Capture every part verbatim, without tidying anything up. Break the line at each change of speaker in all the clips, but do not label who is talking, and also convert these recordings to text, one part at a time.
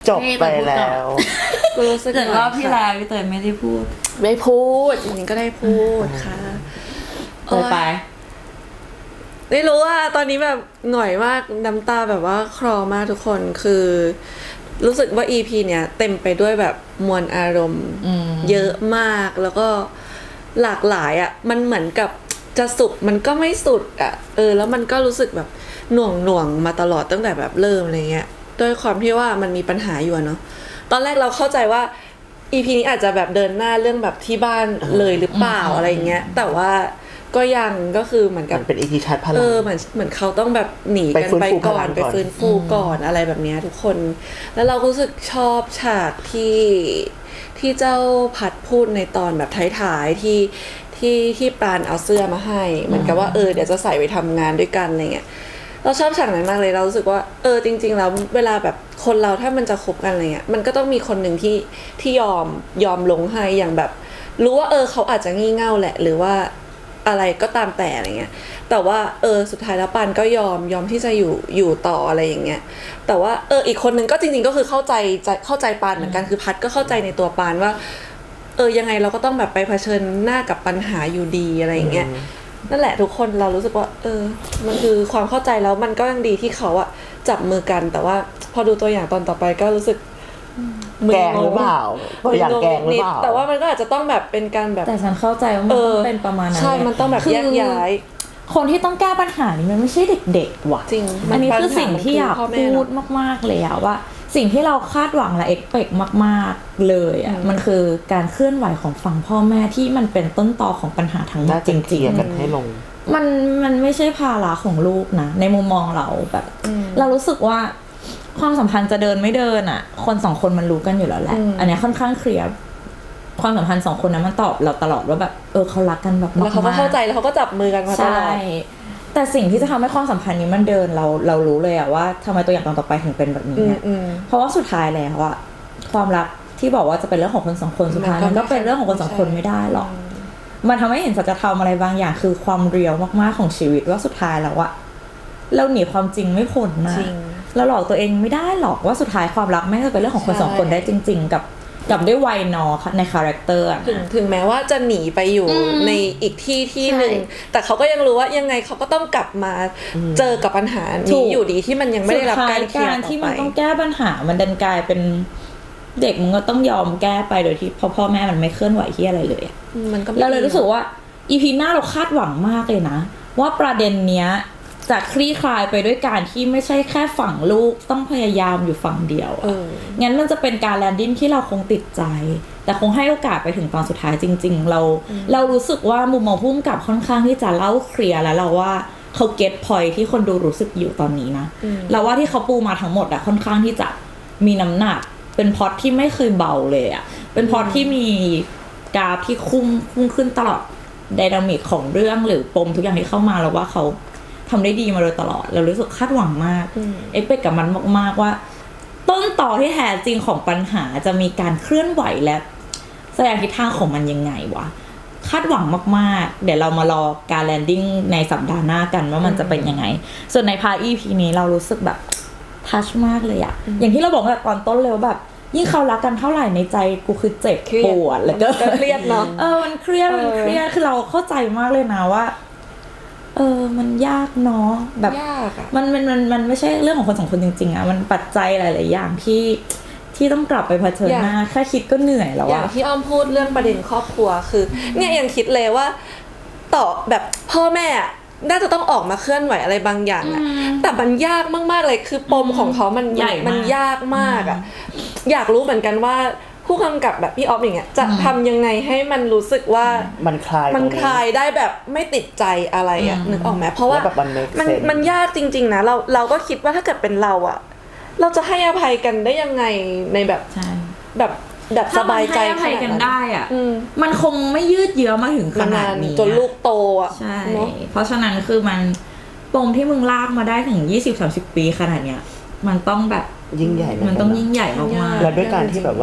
จบไปแล้ว
กูรู้สึก
แต่รอบที่แล้วพี่เตยไม่ได้พูด
ไม่พูดจริงๆก็ได้พูดค่ะ
เตยไป
ไม่รู้ว่าตอนนี้แบบหน่อยมากน้ำตาแบบว่าคลอมากทุกคนคือรู้สึกว่า อี พี เนี้ยเต็มไปด้วยแบบมวลอารมณ์เยอะมากแล้วก็หลากหลายอ่ะมันเหมือนกับจะสุดมันก็ไม่สุดอ่ะเออแล้วมันก็รู้สึกแบบหน่วงหน่วงมาตลอดตั้งแต่แบบเริ่มอะไรเงี้ยด้วยความที่ว่ามันมีปัญหาอยู่เนาะตอนแรกเราเข้าใจว่า อี พี นี้อาจจะแบบเดินหน้าเรื่องแบบที่บ้านเลยหรือเปล่าอะไรเงี้ยแต่ว่าก็ยังก็คือเหมือนกับ
เป็น อี พี ชัดพลัง
เออเหมือนเหมือนเขาต้องแบบหนีกันไปก่อนไปฟื้นฟูก่อนอะไรแบบนี้ทุกคนแล้วเราก็รู้สึกชอบฉากที่ที่เจ้าพัดพูดในตอนแบบท้ายๆที่ที่ที่ปราณเอาเสื้อมาให้เหมือนกับว่าเออเดี๋ยวจะใส่ไปทำงานด้วยกันอะไรเงี้ยเราชอบฉากนั้นมากเลยเรารู้สึกว่าเออจริงๆแล้วเวลาแบบคนเราถ้ามันจะคบกันอะไรเงี้ยมันก็ต้องมีคนหนึ่งที่ที่ยอมยอมลงให้อย่างแบบรู้ว่าเออเขาอาจจะงี่เง่าแหละหรือว่าอะไรก็ตามแต่อะไรเงี้ยแต่ว่าเออสุดท้ายแล้วปานก็ยอมยอมที่จะอยู่อยู่ต่ออะไรอย่างเงี้ยแต่ว่าเอออีกคนนึงก็จริงๆก็คือเข้าใจเข้าใจปานเหมือนกันคือพัดก็เข้าใจในตัวปานว่าเออยังไงเราก็ต้องแบบไปเผชิญหน้ากับปัญหาอยู่ดีอะไรอย่างเงี้ยนั่นแหละทุกคนเรารู้สึกว่าเออมันคือความเข้าใจแล้วมันก็ยังดีที่เขาอะจับมือกันแต่ว่าพอดูตัวอย่างตอนต่อไปก็รู้สึก
แกงหรือเปล่าตัวอย่างแกงหรือเปล่า
แต่ว่ามันก็อาจจะต้องแบบเป็นการแบบ
แต่ฉันเข้าใจว่ามันต้องเป็นประมาณนั้น
ใช่มันต้องแบบแยกย้าย
คนที่ต้องแก้ปัญหานี้มันไม่ใช่เด็กๆว่ะ
จริง
อันนี้คือสิ่งที่อยากพูดมากๆเลยอะว่าสิ่งที่เราคาดหวังและเอ็กเปกมากๆเลยอะมันคือการเคลื่อนไหวของฝั่งพ่อแม่ที่มันเป็นต้นตอของปัญหาทั้งหมดจริง
ๆกันให้ลง
มันมันไม่ใช่ภาระของลูกนะในมุมมองเราแบบเรารู้สึกว่าความสัมพันธ์จะเดินไม่เดินอ่ะคนสองคนมันรู้กันอยู่แล้วแหละอันนี้ค่อนข้างเคลียร์ความสัมพันธ์สองคนนั้นมันตอบเราตลอดว่าแบบเออเขารักกันแบบมากๆ
แล้วเขาก็เข้าใจแล้วเขาก็จับมือกันมาตลอดใช่
แต่สิ่งที่จะทำให้ความสัมพันธ์นี้มันเดินเราเรารู้เลยอะว่าทำไมตัวอย่างตอนต่อไปถึงเป็นแบบนี้เนี่ยเพราะว่าสุดท้ายแล้วอะความรักที่บอกว่าจะเป็นเรื่องของคนสองคนสุดท้ายมันก็เป็นเรื่องของคนสองคนไม่ได้หรอกมันทำให้เห็นสัจธรรมอะไรบางอย่างคือความเรียวมากๆของชีวิตว่าสุดท้ายแล้วอะเราหนีความจริงไม่พ้นนะเราหลอกตัวเองไม่ได้หรอกว่าสุดท้ายความรักไม่ได้เป็นเรื่องของคนสองคนได้จริงๆกับกับด้วยวัยนอในคาแรคเตอร์
ถึงถึงแม้ว่าจะหนีไปอยู่ในอีกที่ที่หนึ่งแต่เขาก็ยังรู้ว่ายังไงเขาก็ต้องกลับมาเจอกับปัญหานี้อยู่ดีที่มันยังไม่ได้รับการเคลียร์ต่อไป
ที่มันต้องแก้ปัญหามันดันกลายเป็นเด็กมันก็ต้องยอมแก้ไปโดยที่พ่อพ่อแม่มันไม่เคลื่อนไหวที่อะไรเลยเราเลยรู้สึกว่าอีพีหน้าเราคาดหวังมากเลยนะว่าประเด็นเนี้ยจะคลี่คลายไปด้วยการที่ไม่ใช่แค่ฝั่งลูกต้องพยายามอยู่ฝั่งเดียวงั้นมันจะเป็นการแลนดิ้งที่เราคงติดใจแต่คงให้โอกาสไปถึงตอนสุดท้ายจริงๆเราเรารู้สึกว่ามุมมองพุ่มกับค่อนข้างที่จะเล่าเคลียร์แล้วเราว่าเขาเก็ตพอยที่คนดูรู้สึกอยู่ตอนนี้นะเราว่าที่เขาปูมาทั้งหมดอะค่อนข้างที่จะมีน้ำหนักเป็นพล็อตที่ไม่เคยเบาเลยอะเป็นพล็อตที่มีกราฟที่คุ้มพุ่งขึ้นตลอดไดนามิกของเรื่องหรือปมทุกอย่างที่เข้ามาแล้วว่าเขาทำได้ดีมาโดยตลอดเรารู้สึกคาดหวังมากเอ็กเปกกับมันมากๆว่าต้นต่อที่แท้จริงของปัญหาจะมีการเคลื่อนไหวและแสดงทิศทางของมันยังไงวะคาดหวังมากๆเดี๋ยวเรามารอการแลนดิ้งในสัปดาห์หน้ากันว่ามันจะเป็นยังไงส่วนในพาร์ท อี พี นี้เรารู้สึกแบบทัชมากเลยอะอย่างที่เราบอกแบบตอนต้นเลยว่าแบบยิ่งเขารักกันเท่าไหร่ในใจกูคือเจ็บปวดแล้วก็
เครียดเนาะ
เออมันเครียดมันเครียดคือเราเข้าใจมากเลยนะว่าเออมันยากเนาะแบบมันมันมันมันไม่ใช่เรื่องของคนสองคนจริงๆอะมันปัจจัยหลายๆอย่างที่ที่ต้องกลับไปเผชิญหน้าแค่คิดก็เหนื่อยแล้วอะ
อย่างที่อ้อมพูดเรื่องประเด็นครอบครัวคือเนี่ยยังคิดเลยว่าต่อแบบพ่อแม่น่าจะต้องออกมาเคลื่อนไหวอะไรบางอย่างอะแต่มันยากมากๆเลยคือปมของเขามันมันยากมากอะอยากรู้เหมือนกันว่าผู้กำกับแบบพี่ออฟอย่างเงี้ยจะทำยังไงให้มันรู้สึกว่า
มันคลาย
มันคลายได้แบบไม่ติดใจอะไรอ่ะนึกออกไหมเพราะว่ามันมันยากจริงๆนะเราเราก็คิดว่าถ้าเกิดเป็นเราอ่ะเราจะให้อภัยกันได้ยังไงในแบบแบบแบบสบายใจ
ให้อภัยกันได้อ่ะมันคงไม่ยืดเยื้อมาถึงขนาดนี้
จนลูกโตอ่ะ
ใช่เพราะฉะนั้นคือมันปมที่มึงลากมาได้ถึง ยี่สิบถึงสามสิบ ปีขนาดเนี้ยมันต้องแบบ
ยิ่งใหญ่
มันต้องยิ่งใหญ่มากๆ
แล้วด้วยการที่แบบว่า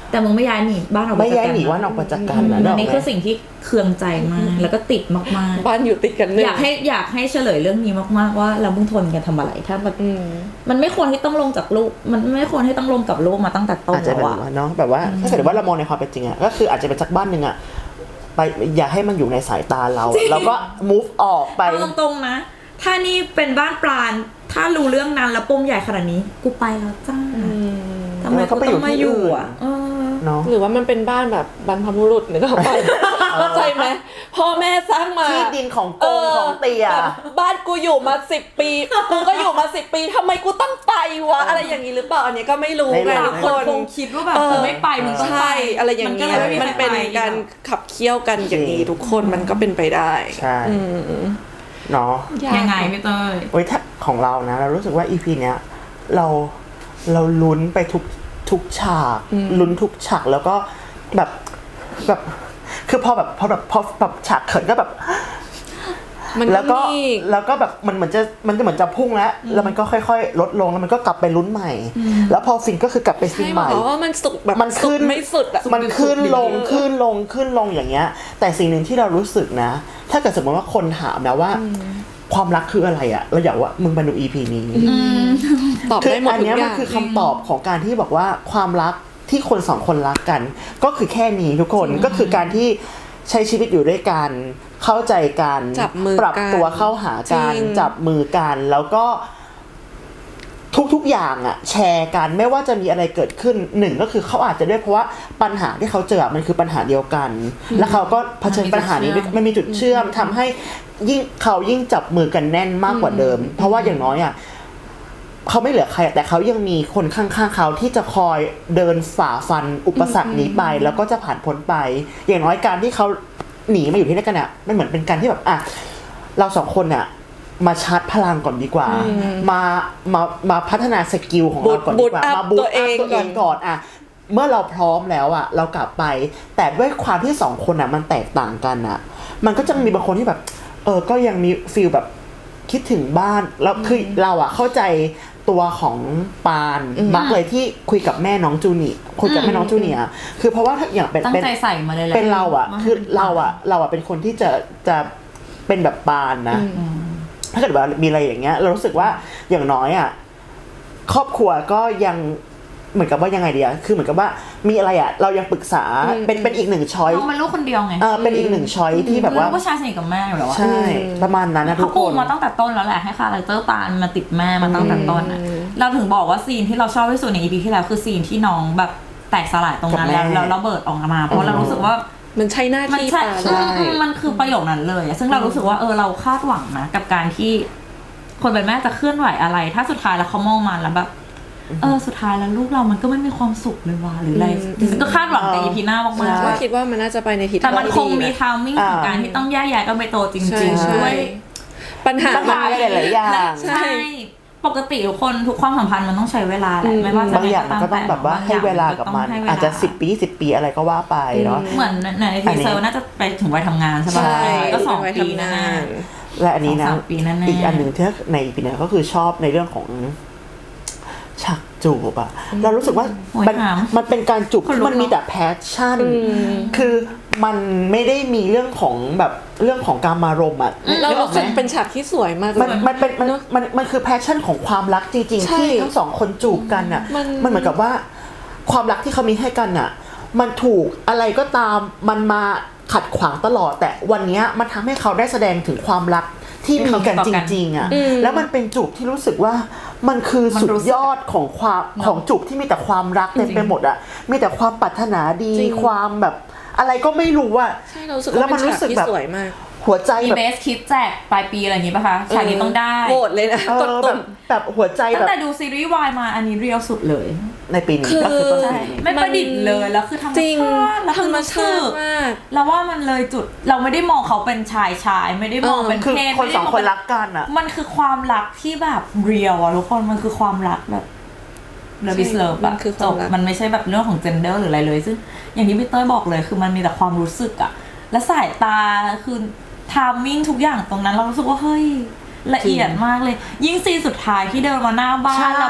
แต่มึงไม่ย้ายหนีบ้านออก
ไม่ย้ายหนีว่านออกมาจากกันนะ
อันนี้คือสิ่งที่เคืองใจมากแล้วก็ติดมากๆ
บ้านอยู่ติดกันเลย
อยากให้อยากให้เฉลยเรื่องนี้มากๆว่าเรามึงทนกันทำอะไรถ้ามันมันไม่ควรที่ต้องลงจากลูกมันไม่ควรที่ต้องลงกับลูกมาตั้งแต่ต้น
อาจจะ
แล้ว
แบบ
อะ
ว่าเนาะแบบว่าถ้าเกิดว่าเรามองในความเป็นจริงอะก็คืออาจจะเป็นสักบ้านหนึ่งอะไปอย่าให้มันอยู่ในสายตาเราเราก็ move ออกไป
เอาตรงๆนะถ้านี่เป็นบ้านปราณถ้ารู้เรื่องนั้นแล้วปมใหญ่ขนาดนี้กูไปแล้วจ้าทำไมกูต้องมาอยู่อ่ะ
เนาะ
หรือว่ามันเป็นบ้านแบบบรรพบุรุษนึกออกปะเข้าใจไหมพ่อแม่สร้างมา
ที่ดินของโกงของเตีย
แบบบ้านกูอยู่มาสิบปีกูก็อยู่มาสิบปีทำไมกูต้องไปวะอะไรอย่างนี้หรือเปล่าอันนี้ก็ไม่รู้ไงทุกคน
คงคิดว่าแบบกูไม่ไปมึงต้องไป
ใช่อะไรอย่างนี้มันเป็นการขับเคี่ยวกันอย่างนี้ทุกคนมันก็เป็นไปได้
ใช่เนาะ
ยังไงพี่เต้ย
โอ้ยถ้าของเรานะเรารู้สึกว่า อี พี เนี้ยเราเราลุ้นไปทุกทุกฉากลุ้นทุกฉากแล้วก็แบบแบบคือพอแบบพอแบบพอแบบฉากเขินก็แบบแล้วก็แล้วก็แบบมันเหมือนจะมันจะเหมือนจะพุ่งแล้วแล้วมันก็ค่อยๆลดลงแล้วมันก็กลับไปลุ้นใหม่แล้วพอฟินก็คือกลับไปฟินใหม่
เพราะว่ามันสุกแบบ
มันขึ้น
ไม่สุดอะ
มันขึ้นลงขึ้นลงขึ้นลงอย่างเงี้ยแต่สิ่งหนึ่งที่เรารู้สึกนะถ้าเกิดสมมติว่าคนถามนะว่าความรักคืออะไรอะเราอยากว่ามึงมาดู อี พี นี้
ตอบได้หมด
อัน
ทุก
นี้
อ
มัน
ย่าง
คือคำตอบของการที่บอกว่าความรักที่คนสองคนรักกัน ก็คือแค่นี้ทุกคนก็คือการที่ใช้ชีวิตอยู่ด้วยกันเข้าใจกัน
จับมือ
ปรับตัวเข้าหากันจับมือกันแล้วก็ทุกๆอย่างอะแชร์กันไม่ว่าจะมีอะไรเกิดขึ้นหนึ่งก็คือเขาอาจจะด้วยเพราะว่าปัญหาที่เขาเจอมันคือปัญหาเดียวกัน แล้วเขาก็เผชิญปัญหานี้มันมีจุดเชื่อมทำให้ยิ่งเขายิ่งจับมือกันแน่นมากกว่าเดิม เพราะว่าอย่างน้อยอะเขาไม่เหลือใครแต่เขายังมีคนข้างๆเขาที่จะคอยเดินฝ่าฟันอุปสรรคนี้ไปแล้วก็จะผ่านพ้นไปอย่างน้อยการที่เขาหนีมาอยู่ที่นั่นกันเนี่ยมันเหมือนเป็นการที่แบบอ่ะเราสองคนเนี่ยมาชาร์จพลังก่อนดีกว่ามามามาพัฒนาสกิลของเราก่อนดีกว่ามาบูตอัพตัวเองก่อนอ่ะเมื่อเราพร้อมแล้วอ่ะเรากลับไปแต่ด้วยความที่สองคนอ่ะมันแตกต่างกันอ่ะมันก็จะมีบางคนที่แบบเออก็ยังมีฟีลแบบคิดถึงบ้านแล้วคือเราอ่ะเข้าใจตัวของปานมักเลยที่คุยกับแม่น้องจูเนียร์คุยกับแม่น้องจูเนียร์คือเพราะว่าถ้าอย่างเป็น
ตั้งใจใส่มาเลยแหละ
เป็นเราอ่ะคือเราอ่ะเราอ่ะเป็นคนที่จะจะเป็นแบบปานนะถ้าเกิดว่ามีอะไรอย่างเงี้ยเรารู้สึกว่าอย่างน้อยอ่ะครอบครัวก็ยังเหมือนกับว่ายังไงดีอ่ะคือเหมือนกับว่ามีอะไรอ่ะเรายังปรึกษาเป็นเป็นอีกหนึ่งช้อย
น้องเป็นลูกคนเดียวไง
เออเป็นอีกหนึ่งช้อยที่แบบว่า
ลูกผู้ชายสนิทกับแม่อยู่แล้วอะ
ใช่ประมาณนั้นนะทุ
เขา
ก
ปู
คน
มาตั้งแต่ต้นแล้วแหละให้คาแรคเตอร์ปานมาติดแม่มาตั้งแต่ต้นอะเราถึงบอกว่าซีนที่เราชอบที่สุดใน อี พี ที่แล้วคือซีนที่น้องแบบแตกสลายตรงนั้นแล้วแล้วระเบิดออกมาเพราะเรารู้สึกว่า
มันใช่หน้า
มัน
ที่
ใช่
ปา
มันคือประโยคนั้นเลยซึ่งเรารู้สึกว่าเออเราคาดหวังนะกับการที่คนเป็นแม่จะเคลื่อนไหวอะไรถ้าสุดท้ายแล้วเขามองมาแล้วแบบเออสุดท้ายแล้วลูกเรามันก็ไม่มีความสุขเลยว่ะหรืออะไรก็คาดหวังกับ อี พี หน้ามากๆ
ก็คิดว่ามันน่าจะไปในทิศทาง
แต่มันคง
ที่ดี
มี
นะ
ทามมิ่งของการที่ต้องแยกย้ายกันไปโตจริงๆด้วย
ปัญหา
ปัญหาหลายๆอย่าง
ใช่ปกติทุกคนทุกความสัมพันธ์มันต้องใช้เวลาแหละไม่ว่าจะ
บางอย่างมันก็ต้องแบบว่าให้เวลากับมันอาจจะสิบปีสิบปีอะไรก็ว่าไปเนาะ
เหมือนในทีเซอร์น่าจะไปถึงวัยทำงานใช่ป่ะก็สองปีแน่ๆ
และอันนี้นะ
ปีแน่ๆ
อีกอันหนึ่งที่ในปีนี้ก็คือชอบในเรื่องของฉากจูบอะเรารู้สึกว่ามันมันเป็นการจูบที่มันมีแต่แพชชั่นคือมันไม่ได้มีเรื่องของแบบเรื่องของการมารมณ์อะ
เรารู้สึกเป็นฉากที่สวยมากเลย
มันมันเป็นมันมันมันคือแพชชั่นของความรักจริงๆที่ทั้งสองคนจูบกันอะมันเหมือนกับว่าความรักที่เขามีให้กันอะมันถูกอะไรก็ตามมันมาขัดขวางตลอดแต่วันนี้มันทำให้เขาได้แสดงถึงความรักที่มีกันจริงๆอ่ะแล้วมันเป็นจูบที่รู้สึกว่ามันคือสุดยอดของความของจูบที่มีแต่ความรักเต็มไปหมดอ่ะมีแต่ความปรารถนาดีความแบบอะไรก็ไม่รู้อ่ะ
ใช่เรารู้สึกว่าเป็นฉากที่สวยมาก
หัวใจ
มี
แบบ
เบสคิดแจกปลายปีอะไรอย่างงี้ป่ะคะฉากนี้ต้องได้
โกรธเลยนะกดตุ่ม
แบบหัวใจ
ตั้
แบ
ง
บ
แต่ดูซีรีส์วายมาอันนี้เรียลสุดเลย
ในปีนี้ก็คือต้นปี
ไม่ประดิษฐ์เลยแล้วคือธรรม
จริง
ชาติแล้ว
ธรรมชาติมาก
แล้วว่ามันเลยจุดเราไม่ได้มองเขาเป็นชายชายไม่ได้มองเป็น
คือ
เพศ
คนสองคนรักกันอ่ะ
มันคือความรักที่แบบเรียลอะทุกคนมันคือความรักแบบเลิฟอิสเลิฟอะจบมันไม่ใช่แบบเรื่องของเจนเดอร์หรืออะไรเลยซึ่งอย่างที่พี่เต้ยบอกเลยคือมันมีแต่ความรู้สึกอะและสายตาคือทามมิ่งทุกอย่างตรงนั้นเรารู้สึกว่าเฮ้ยละเอียดมากเลยยิ่งซีนสุดท้ายที่เดินมาหน้าบ้านแล้วแบบ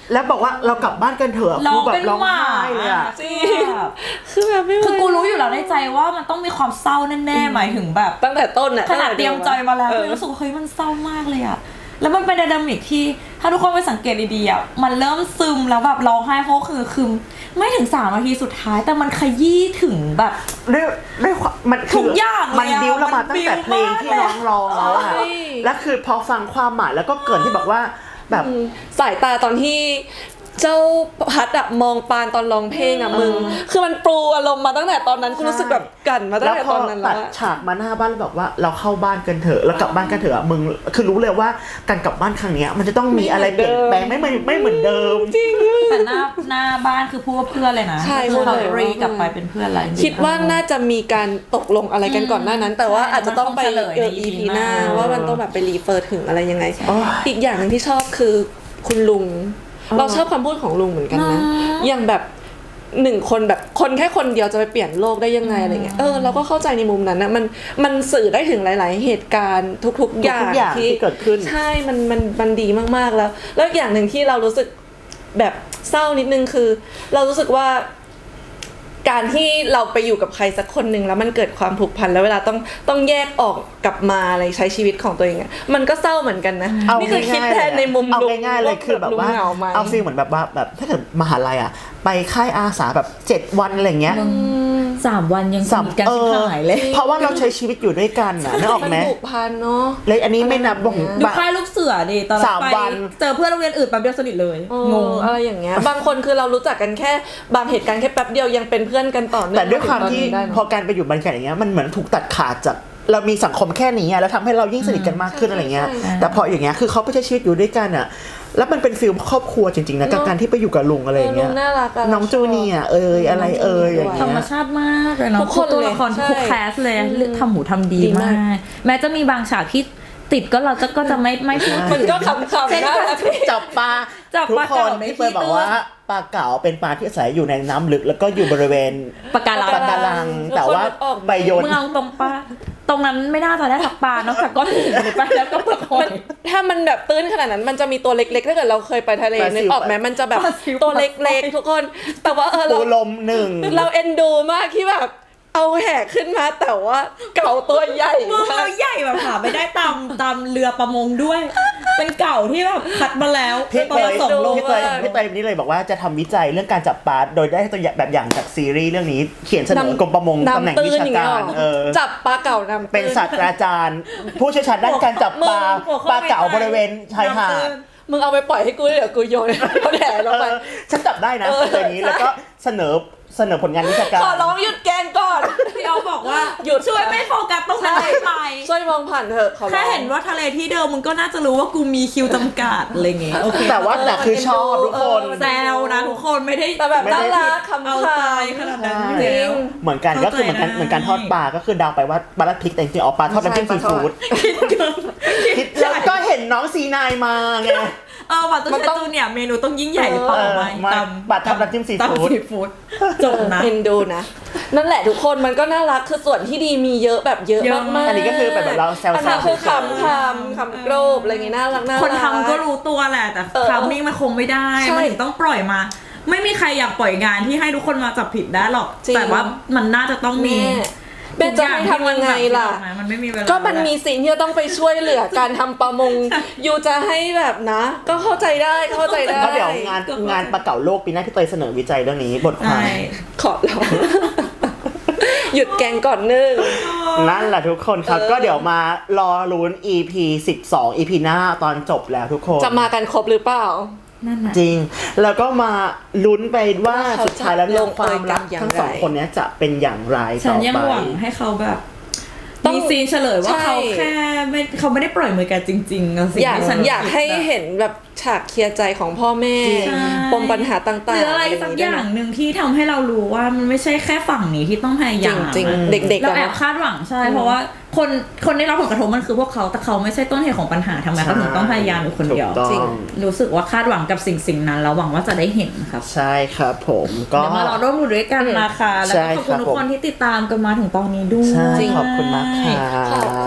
แล้วบอกว่าเรากลับบ้านกันเถอะ
เรา
คือแบ
เป็
บ
น
ร้อง
หมา
ไห้เลยอะ
จริงคือแบบไม่ไหว
คือกูรู้อยู่แล้วในใจว่ามันต้องมีความเศร้าแน่ๆหมายถึงแบบ
ตั้งแต่ต้นอะ
ขนาดเตรียมใจมาแล้ว
เออ
คือรู้สึกว่าเฮ้ยมันเศร้ามากเลยอะแล้วมันเป็นไดนามิกที่ถ้าทุกคนไปสังเกตดีๆอะมันเริ่มซึมแล้วแบบร้องไห้เพราะคือคือไม่ถึงสามนาทีสุดท้ายแต่มันขยี้ถึงแบบ
ด้วยด้วยความมัน
ทุ
คื
กอย่างเลยอะ
มันบิ้วเรามา
มัน
ตั้งแต่เพลงที่
บิ้ว
น้
มาก
องร้องแล้วอะ
ใช่
แล้วคือพอฟังความหมายแล้วก็เกรินที่บอกว่าแบบ
สายตาตอนที่เจ้าพัดอะมองปานตอนร้องเพลงอะมึง คือมันปรูอารมณ์มาตั้งแต่ตอนนั้นกูรู้สึกแบบกันมาตั้งแต่ตอนนั้น
ตั
แล้
ด
วอะ
ฉากมาหน้าบ้านแล้วบอกว่าเราเข้าบ้านกันเถอะแล้วกลับบ้านกันเถอะมึงคือรู้เลยว่าการกลับบ้านครั้งเนี้ยมันจะต้องมีอะไรเปลี่ยนแปลงไม่เหมือนไม่เหมือนเดิม
จริง
แต่หน้าหน้าบ้านคือพูดว่าเพื่อนเลยนะ
ใช่
คือ
พูดเลย
เขารีกลับไปเป็นเพื่อนอะไรจริงๆ
คิดว่าน่าจะมีการตกลงอะไรกันก่อนหน้านั้น แต่ว่า
ใช่
อาจจะต้องไป
มันคงเฉลย
เออ
ใน
อี
อี
พี
พี
หน้า
หน้า
ว่ามันต้องแบบไปรีเฟอร์ถึงอะไรยังไง
โอ้ย
อีกอย่างหนึ่งที่ชอบคือคุณลุง เราชอบคำพูดของลุงเหมือนกันนะ อย่างแบบหนึ่งคนแบบคนแค่คนเดียวจะไปเปลี่ยนโลกได้ยังไงอะไรเงี้ย เออเราก็เข้าใจในมุมนั้นนะมันมันสื่อได้ถึงหลาย ๆ เหตุการณ์ทุก ๆ อย่าง
ทุกๆอย่างที่เกิดขึ้น
ใช่ มันมันมันดีมากๆแล้ว แล้วอย่างหนึ่งที่เรารู้สึกแบบเศร้านิดนึงคือ เรารู้สึกว่า การที่เราไปอยู่กับใครสักคนหนึ่งแล้วมันเกิดความผูกพันแล้วเวลาต้องต้องแยกออกกลับมาอะไรใช้ชีวิตของตัวเองอะมันก็เศร้าเหมือนกันนะ
เอา
นี่คือคิด
ง่ายๆ
แทนในมุม
เอา
ลุง
ง่ายๆเลยคือแบบว่า
ลุงเหงาไหม
เอาฟีลเหมือนแบบว่าแบบถ้าเกิดมหาลัยอ่ะไปค่ายอาสาแบบเจ็ดวันอะไรเงี้ย
สามวันยังส
สาม
นิทกันชิบหายเลย
เพราะว่าเราใช้ชีวิตอยู่ด้วยกันอ่ะนึกออกไหม
มันผูกพันเนาะ
เลยอันนี้ไม่นับบ่ง
ดูค่ายลูกเสือดิตอน
สาม
ไป
วัน
เจอเพื่อนโรงเรียนอื่นแป๊บเดียวสนิทเลย
เออง
ง
อะไรอย่างเงี้ย บางคนคือเรารู้จักกันแค่บางเหตุการณ์แค่แป๊บเดียวยังเป็นเพื่อนกันต่อเนื่อง
แต่ด้วยความที่
ถึงตอนนี้ได้เนอะ
พอการไปอยู่บรรยากาศอย่างเงี้ยมันเหมือนถูกตัดขาดจากเรามีสังคมแค่นี้อะแล้วทำให้เรายิ่งสนิทกันมากขึ้นอะไรเงี้ย
ใช่ใช่
แต่พออย่างเงี้ยคือเขาไปใช้ชีวิตอยู่ด้วยกันอ่ะแล้วมันเป็นฟีลครอบครัวจริงๆนะกับ
เนอะ
การที่ไปอยู่กับลุงอะไรอย่างเงี้ย
ลุงน่ารักอะ
น้องจูเนียร์เอยอะไรเอยอย่าง
ธร
เงี้
รม
ย
ชาติมากเลยเนาะ
ทุกคน
ตัว
เลย
ละคร
ใช่
ทุกแคสเลยเลือกทำหูทำดี
ดีมาม
าก ก แม้จะมีบางฉากที่ติดก็เราจะก็จะไม่ไม่พูด
มันก็ขำๆน่ารัก
จับปลา
จับ
ทุก
ปลา
ค
เก๋าน ใน
ที่
ที่
เปิดบอกว่าปลาเก๋าเป็นปลาที่อาศัยอยู่ในน้ำลึกแล้วก็อยู่บริเวณ
ปากการัง
ปะการัง
ทุกคน
แต่ว่า
ออก
ใบโยน
มึงเอาตรงปลาตรงนั้นไม่น่าจะได้สักปลานอกจากก้อนหินเลยปะแล้วก็เปลือกหอย
ถ้ามันแบบตื้นขนาดนั้นมันจะมีตัวเล็กๆถ้าเกิดเราเคยไปทะเล
ปลาซิว
นึกออกไหมมันจะแบบ
ปลาซิว
ตัวเล็กๆทุกคน แต่ว่าเออ
ปู
เรา
ลมหนึ่ง
เราเอ็นดูมากที่แบบเอาแหกขึ้นมาแต่ว่าเก่าตัวใหญ่
มึง
มา
เรา
ก
ใหญ่แบบหาไม่ได้ตามตามเรือประมงด้วย เป็นเก่าที่แบบคัดมาแล้ว
พี่
ตอ
เต
น
ย
ส่งลง
พี่เตยพี่เตยนี่เลยบอกว่าจะทำวิจัยเรื่องการจับปลาโดยได้ตัวอย่างแบบอย่างจากซีรีส์เรื่องนี้ เขียนเสนอกรมประมงตำแหน่ง
น้ำตื้
วิ
น
ชา
อย่างเงี้
กาย ร
หรอ
เออ
จับปลาเก่าน้ำตื้น
เป็นศาสตราจารย์ ผู้เชี่ยวชาญด้านการจับปลา
หัวข้อ
ปลาเก๋าบริเวณชายหาด
มึงเอาไปปล่อยให้กูเดี๋ยวกูโยนเขาแถลงไป
เออฉันจับได้นะ
เออ
ตัวนี้แล้วก็เสนอเสนอผลงานวิชาการ
ขอร้องหยุดแกล้งก่อน
พี่เอาบอกว่า
หยุด
ช่วยไม่โฟกัสตรงนั้นได้ไหม
ช่วยมองผ่านเถอะขอร้อง
แค่เห็นว่าทะเลที่เดิมมึงก็น่าจะรู้ว่ากูมีคิวจำกัดอะไรเงี้ยโอเค
แต่ว่าแต่คือชอบทุกคน
แซวนะทุกคนไม่ได้
แต่แบบ
ไม่ได้
น่ารักคำ
เอา
ค
ตายขนาดนั้นอยู่
ใช่
แล้ว
เหมือนกันก็คือเหมือนกัน
เข้าใจได้
เหมือนการทอดปลาก็คือเดาวไปว่าปลาลัดพริกแต่จริงๆออกปลาทอดน้ำจิ้มซีฟู้ดคิดแล้วก็เห็นน้องซีนายมาไง
เออวัตถุเชตูเนี่ยเมนูต้องยิ่งใหญ่หรือเปล่า
เออ
ไม่
มา
ตาม
บัตรทำน้ำจิ้มซีฟู้ด
ตำซีฟู้ดจบนะ
เอ็นดูนะ นั่นแหละทุกคนมันก็น่ารักคือส่วนที่ดีมีเยอะแบบเยอะ
เยอะ
มากๆ
อั
นนี้ก็คือแบบเราแซวๆ
อันนั้นคือคำคำคำโกรบอะไรเงี้ยน่ารักน่ารัก
คนทำก็รู้ตัวแหละแต่
เออ
ทามมิ่งมันคงไม่ได้
ใช่
มันถึงต้องปล่อยมา ไม่มีใครอยากปล่อยงานที่ให้ทุกคนมาจับผิดได้หรอก
จริง
แต่ว่ามันน่าจะต้องมี
แม่แม่จะให้ทำยังไงล่ะ
มันไม่มีเวลา
ก็มันมีสิ่งที่จะต้องไปช่วยเหลือการทำประมงอยู่จะให้แบบนะ ก็เข้าใจได้เข้าใจได้
แล้วเดี๋ยวงานงานปลาเก๋าโลกปีหน้าพี่เตยเสนอวิจัยเรื่องนี้บทความ
ใช่
ขอร้อง หยุดแกงก่อนหนึง
นั่นแหละทุกคนครับ
เออ
ก็เดี๋ยวมารอลุ้น อี พี สิบสอง อี พี หน้าตอนจบแล้วทุกคน
จะมากันครบหรือเปล่า
นั่นน่ะ
จริง แล้วก็มาลุ้นไปว่า
ว่าเขา
สุดท้ายแล้วเนี่
จะ
ย
ลง
ความรัก
เอยกันอย่าง
ทั้งสอง
ไร
คนเนี้ยจะเป็นอย่างไร
ฉั
ต่
น
อ
ยัง
ไป
หวังให้เขาแบบ
ต้อง
มีซีนเฉลยว่า
ใช่
เขาแค่ไม่เขาไม่ได้ปล่อยมือกันจริงๆอะสิ่ง
อยาก
ที่ฉัน
อยากให้
คิดอะ
เห็นแบบฉากเคลียร์ใจของพ่อแม่
ใช่
ปมปัญหาต่างๆ
หรืออะไรสักอย่างหนึ่งที่ทำให้เรารู้ว่ามันไม่ใช่แค่ฝั่งนี้ที่ต้องพยายาม
จริง
อะ
ๆเด็กๆ
เรา
อะ
แอบ
นะ
คาดหวังใช่ เพราะว่าคนคนได้รับผลกระทบมันคือพวกเขาแต่เขาไม่ใช่ต้นเหตุของปัญหาทำไมเขาถึงต้องพยายามอยู่คนเดียว
ถูกต้อง
จริง
รู้สึกว่าคาดหวังกับสิ่งสิ่งนั้นแล้วหวังว่าจะได้เห็นครับ
ใช่ครับผมก็
เดี๋ยวมารอร่วมมือด้วยกันนะคะแล้ว
ใช่
ก็ขอบคุณ
ครับ
ทุกคนที่ติดตามกันมาถึงตอนนี้ด้วย
ใช่
จริง
ขอบคุณมากค่ะ
ขอบคุณค่ะ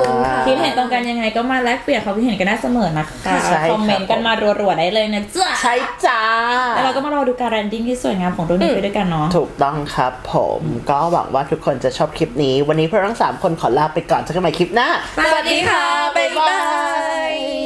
คิดเห็นตรงกันยังไงก็มาแลกเปลี่ยนความคิดเห็นกันได้เสมอนะคะ
ใช่ครับ
คอมเมนต์กันมารัวๆได้เลยนะจ๊ะ
ใช่จ้า
แล้วเราก็มารอดูการแรนดิ้งที่สวยงามของเรื่องนี้ไปด้วยกันเนาะ
ถูกต้องครับผมก็หวังว่าทุกคนจะชอบคลิปนี้ วันนี้พวกเราทั้งสามคนขอลาไปก่อนเจอกันใหม่คลิปหน้า
สวัสดีค่ะบ๊ายบาย